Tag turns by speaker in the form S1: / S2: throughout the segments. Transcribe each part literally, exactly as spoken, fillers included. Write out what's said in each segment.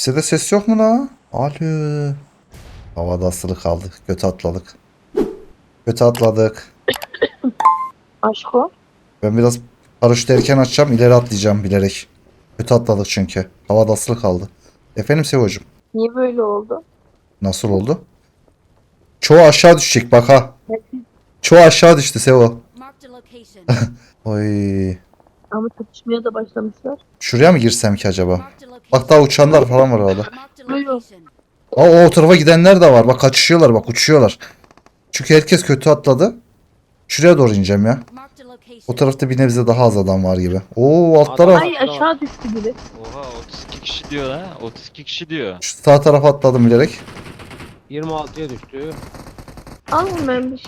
S1: Kimsede ses yok mu la? Alo. Havada asılı kaldık. Göte atladık. Göte atladık.
S2: Aşko.
S1: Ben biraz paraşütü erken açacağım. İleri atlayacağım bilerek. Göte atladık çünkü. Havada asılı kaldı. Efendim Sevo'cum.
S2: Niye böyle oldu?
S1: Nasıl oldu? Çoğu aşağı düşecek bak ha. Çoğu aşağı düştü Sevo.
S3: Marked a location.
S1: Oy.
S2: Ama çatışmaya da başlamışlar.
S1: Şuraya mı girsem ki acaba?
S3: Marked a location.
S1: Bak daha uçanlar falan var orada.
S3: Marked a location.
S1: Aa, o tarafa gidenler de var. Bak kaçışıyorlar, bak uçuyorlar. Çünkü herkes kötü atladı. Şuraya doğru ineceğim ya.
S3: Marked a location.
S1: O tarafta bir nebze daha az adam var gibi. Oo alt taraf.
S2: Ay aşağı düştü biri.
S4: Oha otuz iki kişi diyor ha. otuz iki kişi diyor.
S1: Şu sağ tarafa atladım bilerek.
S5: yirmi altıya düştü.
S2: Alın ben bir şey.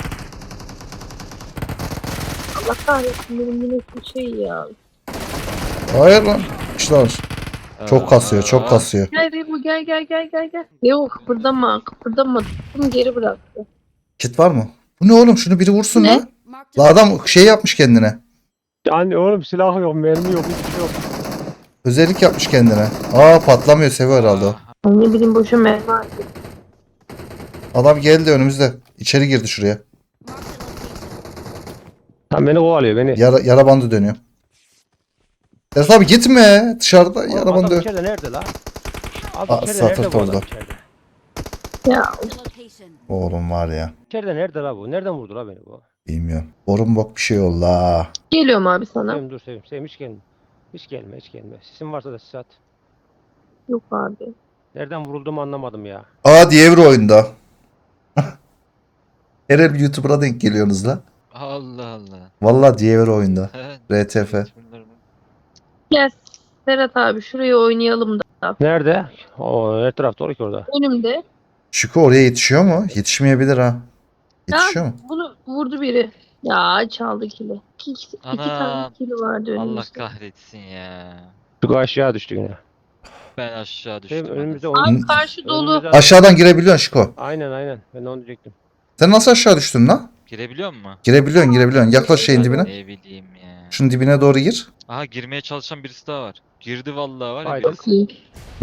S2: Allah kahretsin benim yine bir şey ya.
S1: Hayır lan. İşte çok kasıyor, çok
S4: Aa,
S1: kasıyor.
S2: Gel Rebu gel gel gel gel gel. Yok kıpırdama kıpırdama. Tuttum geri bıraktı.
S1: Kit var mı? Bu ne oğlum? Şunu biri vursun
S2: Ne?
S1: lan.
S3: Marked
S1: La
S3: a
S1: adam şey yapmış kendine.
S5: Yani oğlum silah yok, mermi yok, hiçbir şey yok.
S1: Özellik yapmış kendine. Aa patlamıyor, seviyor herhalde o.
S2: Ay ne bileyim boşa mermi harcadım.
S1: Adam geldi önümüzde. İçeri girdi şuraya.
S3: marked a location.
S5: Tam beni kovalıyor beni.
S1: Yara, yara bandı dönüyor. Serhat abi gitme. Dışarıda
S5: Oğlum
S1: yara
S5: adam
S1: bandı.
S5: içeride nerede la?
S1: Aa,
S5: Abi içeride nerede
S1: satıldı
S5: bu adam
S1: orada.
S5: içeride?
S2: Ya
S3: Marked a location.
S1: Oğlum var ya.
S5: İçeride nerede la bu? Nereden vurdu la beni bu?
S1: Bilmiyorum. Borun bok bir şey oldu ha.
S2: geliyorum abi sana.
S5: Sevim dur Sevim. Sevim hiç gelme. Hiç gelme hiç gelme. Sesin varsa da sis at.
S2: Yok abi.
S5: Nereden vurulduğumu anlamadım ya.
S1: Aa diye bir oyunda. Her el bir YouTuber'a denk geliyorsunuz la.
S4: Allah Allah.
S1: Valla diye bir oyunda. R T F.
S2: Gel Serhat abi şuraya oynayalım da.
S5: Nerede? O her tarafta olur ki orada.
S2: Önümde.
S1: Şükrü oraya yetişiyor mu? Yetişmeyebilir ha. Yetişiyor mu?
S2: Bunu vurdu biri. Ya çaldı kili. İki, iki, iki
S4: Ana,
S2: tane kili vardı
S4: Allah
S2: önümüzde.
S4: kahretsin ya.
S5: Şu aşağı düştü yine.
S4: Ben aşağı
S5: Sevim
S4: düştüm.
S5: önümüzde
S4: anasını.
S5: oyun.
S2: Abi karşı dolu.
S5: Önümüzde-
S1: Aşağıdan girebiliyorsun Şiko.
S5: Aynen aynen. Ben de onu diyecektim.
S1: Sen nasıl aşağı düştün lan?
S4: Girebiliyor mu?
S1: Girebiliyorsun girebiliyorsun. Yaklaş şeyin dibine.
S4: Ne bileyim ya.
S1: Şunun dibine doğru gir.
S4: Aha girmeye çalışan birisi daha var. Girdi vallahi var ya
S5: Haydi.
S4: birisi.
S2: İyi.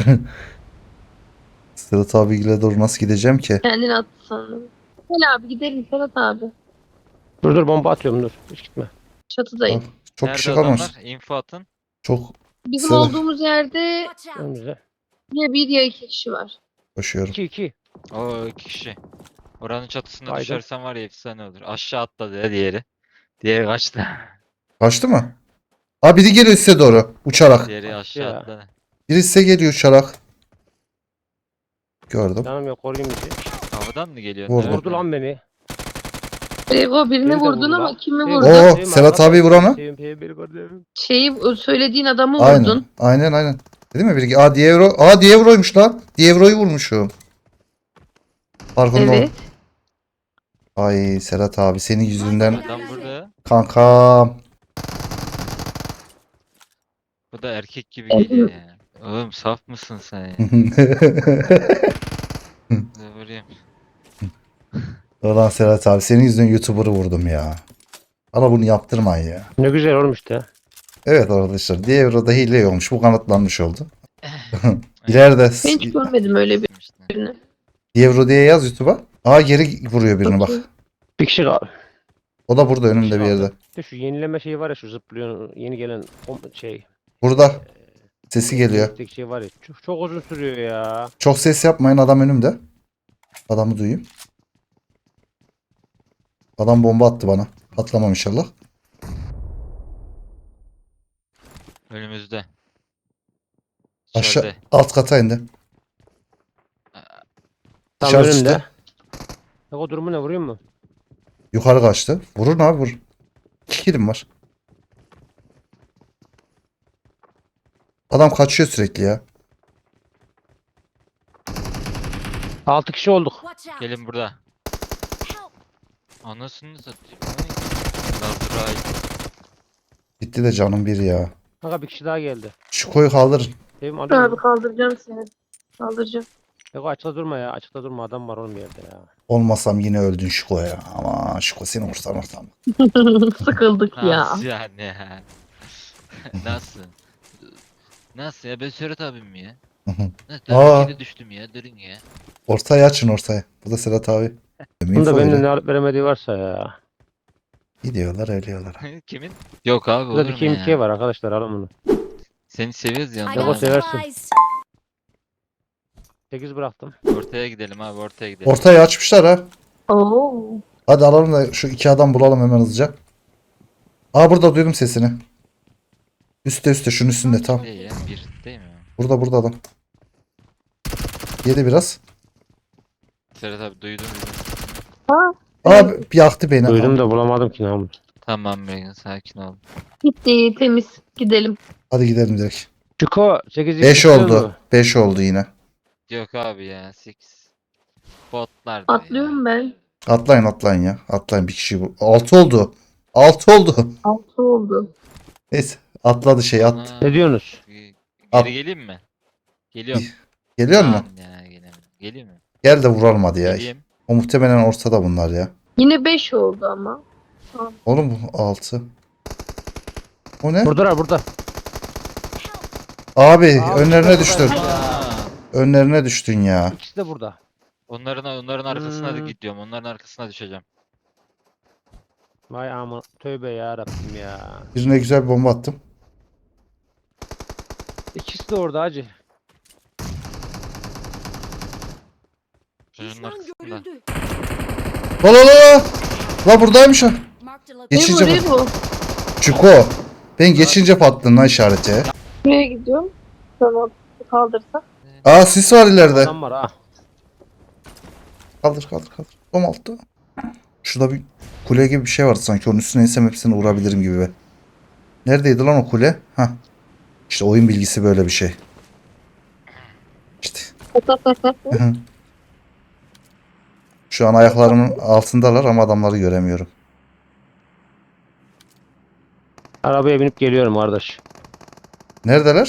S1: Serhat abiyle doğru nasıl gideceğim ki?
S2: Kendini attı sanırım. Gel abi gidelim Serhat abi.
S5: Dur dur bomba atıyorum dur. Hiç gitme.
S2: Çatıdayım.
S1: Çok
S4: Nerede
S1: kişi kalmamış.
S4: adamlar? İnfo atın.
S1: Çok
S2: Bizim
S1: Serhat.
S2: olduğumuz yerde
S3: Watch out.
S5: Önümüzde.
S2: ya bir ya iki kişi var.
S1: koşuyorum.
S5: iki iki.
S4: O iki kişi. Oranın çatısına
S5: Haydi.
S4: düşersen var ya efsane olur. Aşağı atladı ya diğeri. Diğeri kaçtı.
S1: Kaçtı mı? Aa biri geliyor size doğru. Uçarak.
S4: Diğeri aşağı
S5: Ya.
S4: atladı.
S1: Biri size geliyor uçarak. Gördüm.
S5: Canım yok koruyayım bizi.
S4: Havadan mı geliyor?
S1: Vurdu.
S4: Nereden?
S5: Vurdu lan beni.
S2: Ego birini
S5: Beni de
S2: vurdun
S5: vurdu
S2: ama
S5: lan.
S2: kimi
S5: Sevim,
S2: vurdun?
S1: Oo,
S5: Sevim,
S1: Serhat
S5: arkadaş.
S1: abi vuranı.
S5: Sevim, Sevim, beni gördüm.
S2: Şeyi söylediğin adamı
S1: Aynen.
S2: vurdun.
S1: Aynen aynen. Değil mi biri? Aa Dievro. Aa Dievro'ymuş lan. Dievro'yu vurmuşum. Farkında ol.
S2: Evet.
S1: Ay Serhat abi senin yüzünden
S4: Adam burada.
S1: kankam.
S4: Bu da erkek gibi
S2: Evet.
S4: geliyor ya. Oğlum saf mısın sen ya? Ne vurayım?
S1: Ulan Serhat abi senin yüzünden YouTuber'ı vurdum ya. Bana bunu yaptırmayın ya.
S5: Ne güzel olmuş da.
S1: Evet arkadaşlar Dievro'da hile olmuş. Bu kanıtlanmış oldu. İleride
S2: Ben hiç görmedim öyle birini.
S1: Dievro diye yaz YouTube'a. Aa geri vuruyor birini bak.
S2: Bakayım.
S5: Bir kişi kaldı.
S1: O da burada önümde bir yerde.
S5: İşte şu yenileme şeyi var ya şu zıplıyor yeni gelen o şey.
S1: Burada. Sesi geliyor.
S5: Tek şey var ya çok, çok uzun sürüyor ya.
S1: Çok ses yapmayın adam önümde. Adamı duyayım. Adam bomba attı bana. Atlamam inşallah.
S4: Önümüzde.
S1: Aşağı
S4: İçeride.
S1: alt kata indi.
S5: Tam
S1: Dışarı
S5: önümde.
S1: çıktı.
S5: Ya o durumu ne vuruyor mu?
S1: Yukarı kaçtı. Vurun abi vur. İki kilim var. Adam kaçıyor sürekli ya.
S5: altı kişi olduk.
S3: Watch out.
S4: Gelin burada.
S3: Help.
S4: Anasını satayım. Lazray.
S1: Gitti de canım bir ya.
S5: Kanka bir kişi daha geldi.
S1: Şu koyu kaldırın.
S5: Sevim
S2: Abi
S5: alıyor.
S2: kaldıracağım seni. Kaldıracağım.
S5: Yok açıkta durma ya. Açıkta durma. Adam var oğlum bir yerde ya.
S1: Olmasam yine öldün Şiko ya. Ama Şiko seni vursam vursam.
S2: Sıkıldık ya.
S4: Nasıl yani ya? Nasıl? Nasıl ya? Ben Serhat abim mi ya? Ne
S1: Aa.
S4: tabii düştüm ya durun ya.
S1: Ortaya açın ortaya. Bu da Serhat abi.
S5: Bunda
S1: Info
S5: benim
S1: veriyor.
S5: ne alıp veremediği varsa ya.
S1: Gidiyorlar ölüyorlar.
S4: Kimin? Yok abi
S5: Burada
S4: olur
S5: bir
S4: mu
S5: K M K
S4: ya?
S5: var arkadaşlar, alın bunu.
S4: Seni seviyoruz
S3: I
S4: yanında
S5: Yok, o
S3: got
S4: abi.
S5: seversin.
S3: supplies.
S5: sekiz bıraktım.
S4: Ortaya gidelim abi ortaya gidelim.
S1: Ortaya açmışlar ha.
S2: Oo.
S1: Hadi alalım da şu iki adam bulalım hemen hızlıca. Aa burada duydum sesini. Üste üste şunun üstünde tam.
S4: Değil ya bir değil mi?
S1: Burada burada adam. Yedi biraz.
S4: Serhat abi duydum duydum.
S2: Ha,
S1: Abi yaktı beni.
S5: Duydum da bulamadım ki ne.
S4: Tamam Megan sakin ol.
S2: gitti temiz. Gidelim.
S1: Hadi gidelim direkt.
S5: Çuko sekiz
S1: beş oldu. beş oldu yine.
S4: Yok abi ya sekiz. Botlar
S2: Atlıyorum ben.
S1: Atlayın atlayın ya. Atlayın bir kişi bu. altı oldu. altı oldu.
S2: Altı oldu.
S1: Neyse atladı şey at.
S5: Ne diyorsunuz?
S4: Geri
S1: At.
S4: geleyim mi? Geliyorum.
S1: Geliyor mu?
S4: Lan Ya, gelemedim. Geleyim mi?
S1: Gel de vuralım hadi ya.
S4: Geleyim.
S1: O muhtemelen ortada bunlar ya.
S2: Yine beş oldu ama.
S1: Oğlum bu altı. O ne?
S5: Buradalar burada.
S1: Abi,
S5: Abi,
S1: önlerine
S5: burada
S1: düştün.
S5: burada.
S4: Aa,
S1: Önlerine düştün ya.
S5: İkisi de burada.
S4: onların onların arkasına da
S5: Hmm.
S4: gidiyorum. Onların arkasına düşeceğim.
S5: Vay aman tövbe ya Rabbim ya.
S1: Birine güzel bir bomba attım.
S5: İkisi de orada hacı.
S4: Çocuğun
S3: Düşman
S4: arkasında.
S3: görüldü.
S1: La la la. La buradaymış ha.
S3: Marked a location.
S1: Geçince
S2: Ne bu? Ne bu?
S1: Çuko. Ben geçince patladın lan işareti.
S2: Buraya gidiyorum. Tamam. Kaldırsak.
S1: Aa sis var ileride.
S5: Adam var ha.
S1: Kaldır kaldır kaldır. Tam altta. Şurada bir kule gibi bir şey vardı sanki. Onun üstüne insem hepsini vurabilirim gibi be. Neredeydi lan o kule? Hah. İşte oyun bilgisi böyle bir şey. İşte. Şu an ayaklarımın altındalar ama adamları göremiyorum.
S5: Arabaya binip geliyorum kardeş.
S1: Neredeler?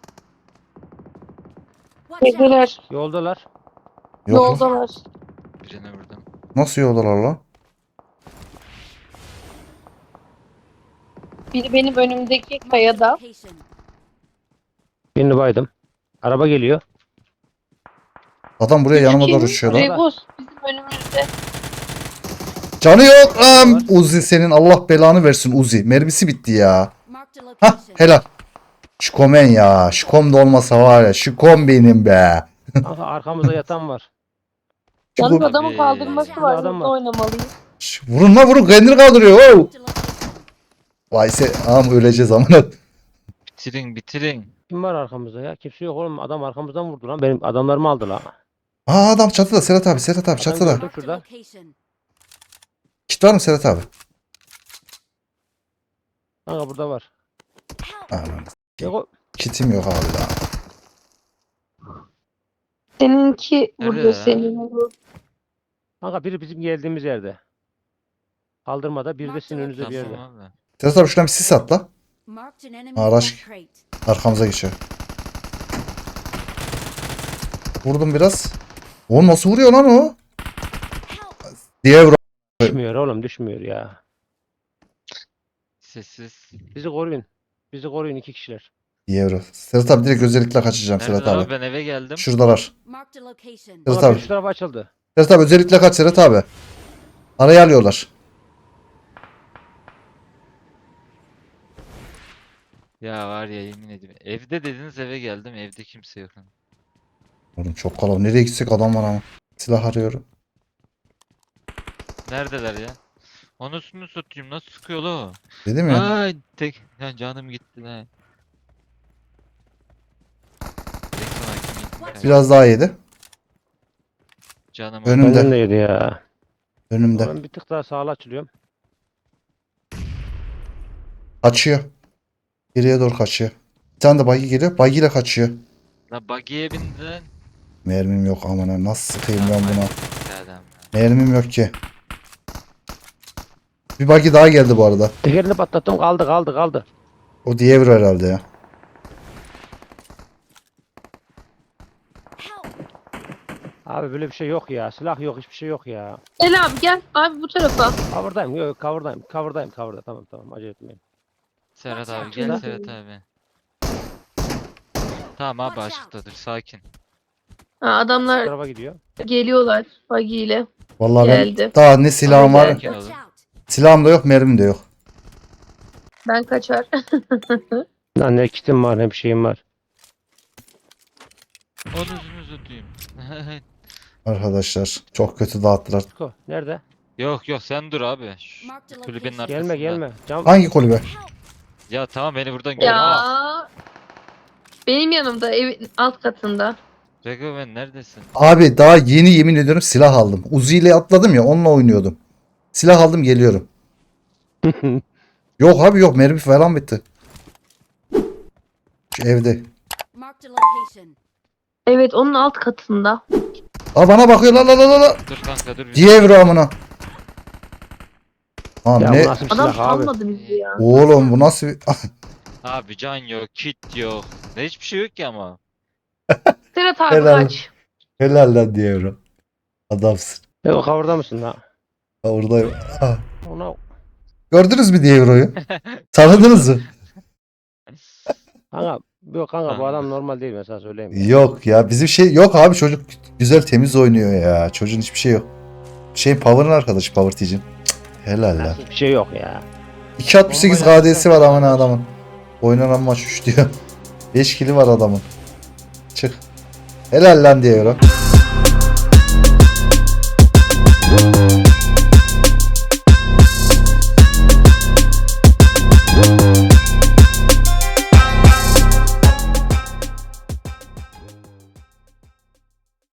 S3: Watch out.
S2: Evdeler.
S5: Yoldalar.
S1: Yok lan.
S2: Yoldalar.
S4: Birine vurdum.
S1: Nasıl yoldalar lan?
S2: Biri benim önümdeki kayada.
S3: Location.
S5: Birini baydım. Araba geliyor.
S1: Adam buraya yanıma
S2: Kim?
S1: doğru uçuyor lan.
S2: Rebus bizim önümüzde.
S1: Canı yok lan. Uzi senin Allah belanı versin Uzi. Mermisi bitti ya.
S3: Marked a
S1: Hah
S3: location.
S1: helal. Şikomen ya. Şikom da olmasa var ya. Şikom benim be.
S5: Kanka arkamızda yatan var.
S2: Yalnız
S1: Şikom.
S2: adamın kaldırması var.
S5: Adam
S2: Nasıl
S5: var.
S2: oynamalıyım?
S1: Şş, Vurun la vurun. Kendini kaldırıyor. Oh.
S3: Marked a location.
S1: Vay se. Am öleceğiz amına.
S4: Bitirin bitirin.
S5: Kim var arkamızda ya? Kimse yok oğlum. Adam arkamızdan vurdu lan. Benim adamlarımı aldı lan.
S1: Aa adam çatıda. Serhat abi. Serhat abi çatıda.
S5: gördüm.
S3: Marked a
S5: Şurada.
S3: location.
S1: Kit var mı Serhat abi?
S5: Kanka burada var.
S3: Help.
S1: Aman.
S5: Yok o.
S1: Kitim yok abi daha.
S2: Seninki
S4: Nerede
S2: burada
S4: ya?
S2: senin bu.
S5: Kanka biri bizim geldiğimiz yerde. Kaldırmada, biri de sizin önünüzde bir yerde.
S4: Tamam abi.
S1: Serhat abi şuradan bir sis at la.
S3: Marked an enemy
S1: Araç.
S3: death crate.
S1: Arkamıza geçiyor. Vurdum biraz. O nasıl vuruyor lan o?
S3: Help.
S1: Diye vur.
S5: Düşmüyor oğlum, düşmüyor ya.
S4: Sessiz.
S5: Bizi koruyun. Bizi koruyun iki kişiler.
S1: Diye vur. Serhat abi direkt özellikle kaçacağım Serhat
S4: Nerede
S1: abi.
S4: abi? Ben eve geldim.
S1: Şuradalar.
S3: Marked a location.
S1: Evet
S5: Kanka
S1: abi.
S5: biri şu tarafa açıldı.
S1: Serhat abi özellikle kaç Serhat abi. Araya alıyorlar.
S4: Ya var ya yemin ediyorum. Evde dediniz eve geldim. Evde kimse yok.
S1: Oğlum çok kalabalık. Nereye gitsek adam var ama. Silah arıyorum.
S4: Neredeler ya? Anasını satayım nasıl sıkıyor la o?
S1: Dedim ya.
S4: Ay tek ya canım gitti la. Direkt sana kim gitti kanka?
S1: Biraz daha yedi.
S4: Canım
S1: Önümde.
S5: Benden de yedi ya.
S1: Önümde.
S5: Ben bir tık daha sağa açılıyorum.
S1: Kaçıyor. Geriye doğru kaçıyor. Bir tane de buggy geliyor. Buggy ile kaçıyor.
S4: La buggy'e bindin.
S1: Mermim yok aman ha. Nasıl sıkayım ben buna?
S4: Adam ya.
S1: Mermim yok ki. Bir buggy daha geldi bu arada.
S5: Tekerini patlattım, kaldı kaldı kaldı.
S1: O diye vur herhalde ya.
S3: Help.
S5: Abi böyle bir şey yok ya. Silah yok, hiçbir şey yok ya.
S2: Gel abi gel. Abi bu tarafa.
S5: Cover'dayım, yok yok cover'dayım. Cover'dayım, cover'da. Tamam tamam, acele etmeyin.
S4: Serhat abi
S3: Watch
S4: gel
S2: out.
S4: Serhat abi. Tamam abi
S3: Watch out.
S4: açıktadır sakin.
S2: Ha, adamlar
S5: tarafa gidiyor.
S2: geliyorlar buggy ile.
S1: Vallahi ben
S2: Geldi.
S1: daha ne silahım var.
S4: Sakin
S3: Watch
S4: olun.
S3: out.
S1: Silahım da yok, mermim de yok.
S2: Ben kaçar.
S5: Lan ne kitim var ne bir şeyim var.
S4: Onuzunuzu duyayım.
S1: Arkadaşlar çok kötü dağıttılar.
S5: Tuko nerede?
S4: Yok yok sen dur abi. Şu
S3: Marked a
S4: kulübenin
S3: location.
S4: arkasında.
S5: Gelme gelme. Cam
S1: Hangi kulübe?
S3: Help.
S4: Ya tamam beni buradan görme.
S2: Ya. Benim yanımda evin alt katında.
S4: Regoven neredesin?
S1: Abi daha yeni yemin ediyorum silah aldım. Uzi ile atladım ya, onunla oynuyordum. Silah aldım, geliyorum. Yok abi yok, mermi falan bitti. Şu evde.
S3: Marked a location.
S2: Evet onun alt katında.
S1: Aa bana bakıyor la la la la la.
S4: Dur kanka dur. bir-
S1: Diye amına. Abi
S5: ya
S1: ne?
S5: bu nasıl bir
S2: Adam
S5: silah abi?
S2: salmadı bizi ya.
S1: Oğlum bu nasıl bir...
S4: Abi can yok, kit yok. Ne hiçbir şey yok ki ama.
S2: Serhat abi
S1: Helal.
S2: kaç.
S1: Helal lan Dievro. Adamsın.
S5: E o kavurda mısın lan?
S1: Ha, oradayım. Ha.
S5: Ona
S1: Gördünüz mü Dievro'yu? Tanıdınız mı?
S5: kanka yok kanka bu
S4: Anladım.
S5: adam normal değil ben sana söyleyeyim.
S1: Yok ya, bizim şey yok abi, çocuk güzel temiz oynuyor ya. Çocuğun hiçbir şey yok. Şey Power'ın arkadaşı, Power T'cin. Helal lan.
S5: Nasıl bir şey yok ya.
S1: iki altmış sekiz
S4: Normal
S1: K D'si var
S4: yapacak
S1: aman
S4: bir şey
S1: adamın. Oynanan maç üç diyor. beş kili var adamın. Çık. Helal lan Dievro.